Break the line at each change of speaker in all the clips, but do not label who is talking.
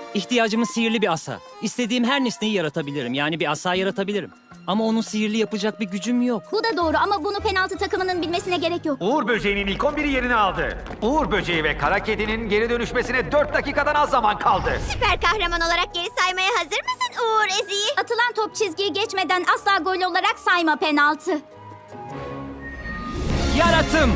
İhtiyacımız sihirli bir asa. İstediğim her nesneyi yaratabilirim. Yani bir asa yaratabilirim. Ama onun sihirli yapacak bir gücüm yok.
Bu da doğru ama bunu penaltı takımının bilmesine gerek yok.
Uğur Böceği'nin ilk 11'i yerini aldı. Uğur Böceği ve Kara Kedi'nin geri dönüşmesine 4 dakikadan az zaman kaldı.
Süper kahraman olarak geri saymaya hazır mısın Uğur Ezi'yi?
Atılan top çizgiyi geçmeden asla gol olarak sayma penaltı.
Yaratım!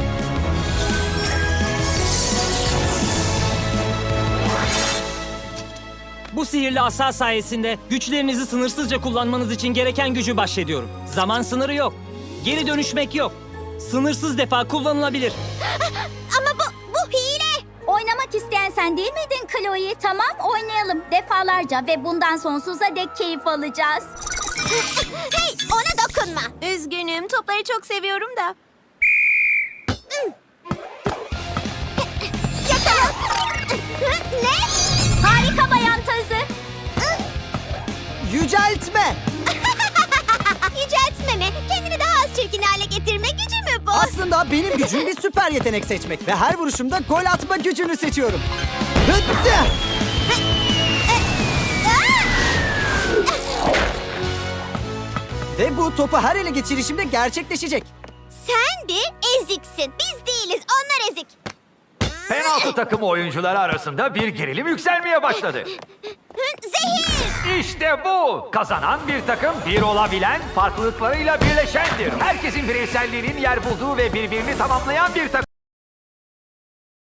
Bu sihirli asa sayesinde güçlerinizi sınırsızca kullanmanız için gereken gücü bahşediyorum. Zaman sınırı yok. Geri dönüşmek yok. Sınırsız defa kullanılabilir.
Ama bu hile.
Oynamak isteyen sen değil miydin Chloe? Tamam oynayalım defalarca ve bundan sonsuza dek keyif alacağız.
Hey, ona dokunma. Üzgünüm, topları çok seviyorum da. Yakala. Ne?
Harika bayan tazı.
Yüceltme.
Yüceltme mi? Kendini daha az çirkin hale getirme gücü mü bu?
Aslında benim gücüm bir süper yetenek seçmek ve her vuruşumda gol atma gücünü seçiyorum. Hıttı! Ve bu topu her ele geçirişimde gerçekleşecek.
Sen de eziksin. Biz değiliz, onlar ezik.
Penaltı takımı oyuncuları arasında bir gerilim yükselmeye başladı.
Zehir!
İşte bu! Kazanan bir takım bir olabilen, farklılıklarıyla birleşendir. Herkesin bireyselliğinin yer bulduğu ve birbirini tamamlayan bir takım.